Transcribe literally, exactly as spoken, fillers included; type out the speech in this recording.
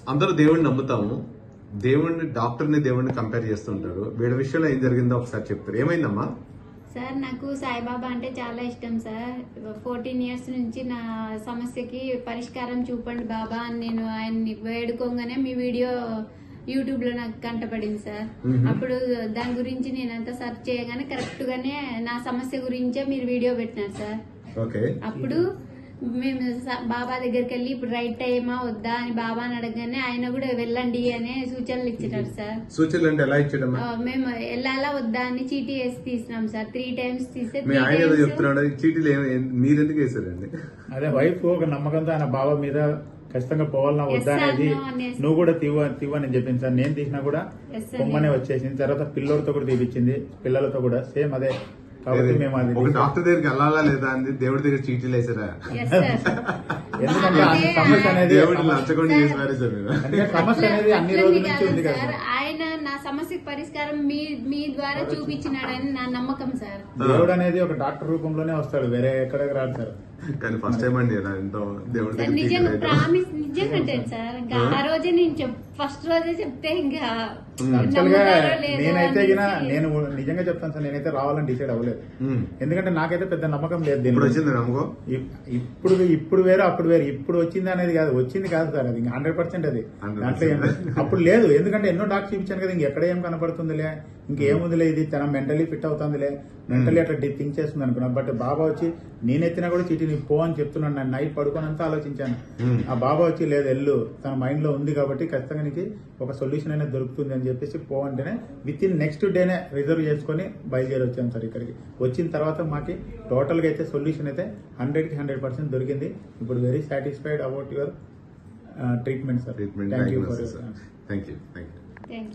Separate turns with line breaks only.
అందరూ దేవుడిని నమ్ముతాము, దేవుడిని డాక్టర్ని దేవుడిని కంపేర్ చేస్తుంటారు. వీళ్ళ విషయంలో ఏం జరిగిందో ఒకసారి చెప్తారు. ఏమైందమ్మా?
సార్ నాకు సాయిబాబా అంటే చాలా ఇష్టం సార్. ఫోర్టీన్ ఇయర్స్ నుంచి నా సమస్యకి పరిష్కారం చూపండి బాబా అని నేను ఆయన్ని వేడుకోగానే మీ వీడియో యూట్యూబ్ లో నాకు కంటపడింది సార్. అప్పుడు దాని గురించి నేనంతా సెర్చ్ చేయగానే కరెక్ట్ గానే నా సమస్య గురించే మీరు వీడియో పెట్టినారు సార్.
ఓకే.
అప్పుడు మేము స- బాబా దగ్గరికి వెళ్ళి ఇప్పుడు రైట్ టైమా వద్దా అని బాబాని అడగగానే ఆయన కూడా వెళ్ళండి అనే సూచనలు ఇచ్చినారు సార్.
సూచనలు అంటే ఎలా ఇచ్చాడమ్మా?
ఆ, మేము వెళ్ళాలా వద్దా అని చీటీ వేసి తీసినాం సార్. త్రీ టైమ్స్ తీస్తే
మీ
three
ఆయన ఏదో
times-
చెప్తున్నాడు, ఈ చీటీలు ఏం- మీరెందుకు వేసారండి?
అదే వైఫ్ ఒక నమ్మకంతో ఆయన బావ మీద ఖచ్చితంగా పోవాలన్నా వద్దా
Yes, sir,
అనేది
no, yes.
నువ్వు కూడా తీవ తీవని చెప్పింది సార్. నేను తీసినా కూడా
Yes, sir,
పొమ్మనే
నేను-
వచ్చేసింది. తర్వాత పిల్లోడితో కూడా తీపిచ్చింది, పిల్లలతో కూడా సేమ్ అదే. కాబట్టి మేము అది
ఒక డాక్టర్ దగ్గరికి వెళ్ళాలా లేదా అంది, దేవుడి దగ్గర చీటీలు వేసారా?
Yes, sir.
ఎందుకంటే ఆ
అదే,
సమస్య అనేది
దేవుడిని లంచగొండి చేసి పారేశారు మీరు.
అంటే సమస్య అనేది అన్ని
అట్లా
రోజుల
ఉంది
నుంచి ఉంది
కాదు
కదా
సార్. ఆయన నా సమస్యకు పరిష్కారం మీ మీ ద్వారా చూపించినాడని నా నమ్మకం సార్.
దేవుడు అనేది ఒక డాక్టర్ రూపంలోనే వస్తాడు, వేరే ఎక్కడికి రాడు సార్.
కానీ ఫస్ట్ టైం అండి ఇలా ఎంతో దేవుడి
సార్
దగ్గర
నిజంగా
చీటీలు వేయడం.
ప్రామిస్ నిజంగా అంటాను సార్. ఇంకా ఆ రోజే నేను చెప్ ఫస్ట్ రోజే చెప్తే ఇంకా
యాక్చువల్ గా
నమ్ముతారో లేదో
నేనైతే గిన
అనేసి.
నేను నిజంగా చెప్తాను సార్, నేనైతే రావాలని డిసైడ్ అవ్వలేదు.
ఉమ్.
ఎందుకంటే నాకైతే పెద్ద నమ్మకం లేదు దీని
ఇప్పుడు
గురించి.
వచ్చింది నమ్మకం.
ఇప్- ఇప్పుడు ఇప్పుడు వేరు అప్పుడు వేరు. ఇప్పుడు వచ్చింది అనేది కాదు, వచ్చింది కాదు సార్, అది హండ్రెడ్ పర్సెంట్ అది.
హండ్రెడ్
దాంట్లో ఏం లేదు. అప్పుడు లేదు, ఎందుకంటే ఎన్నో డాక్టర్ చూపించాను కదా, ఇంకెక్కడ ఏం కనపడుతుందిలే, ఇంకేముందిలే, ఇది తన మెంటలీ ఫిట్ అవుతుందిలే, మెంటలీ అట్లా థింక్ చేస్తుంది అనుకున్నా. బట్ బాబా వచ్చి నేనెత్తినా కూడా చీటీ నీ పో అని చెప్తున్నాను. నేను నైట్ పడుకోనంతా ఆలోచించాను.
ఉమ్.
ఆ బాబా వచ్చి లేదు వెళ్ళు, తన మైండ్ లో ఉంది కాబట్టి ఖచ్చితంగా నీకు ఒక సొల్యూషన్ అనేది దొరుకుతుంది అని చెప్పేసి పో అంటేనే విత్ ఇన్ నెక్స్ట్ డేనే రిజర్వ్ చేసుకుని బయలుదేరి వచ్చాం సార్ ఇక్కడికి. వచ్చిన తర్వాత మాకి టోటల్ గా అయితే సొల్యూషన్ అయితే హండ్రెడ్ కి హండ్రెడ్ పర్సెంట్ దొరికింది. ఇప్పుడు very satisfied about your treatment sir.
Treatment
thank you for
thank you thank you
Thank you.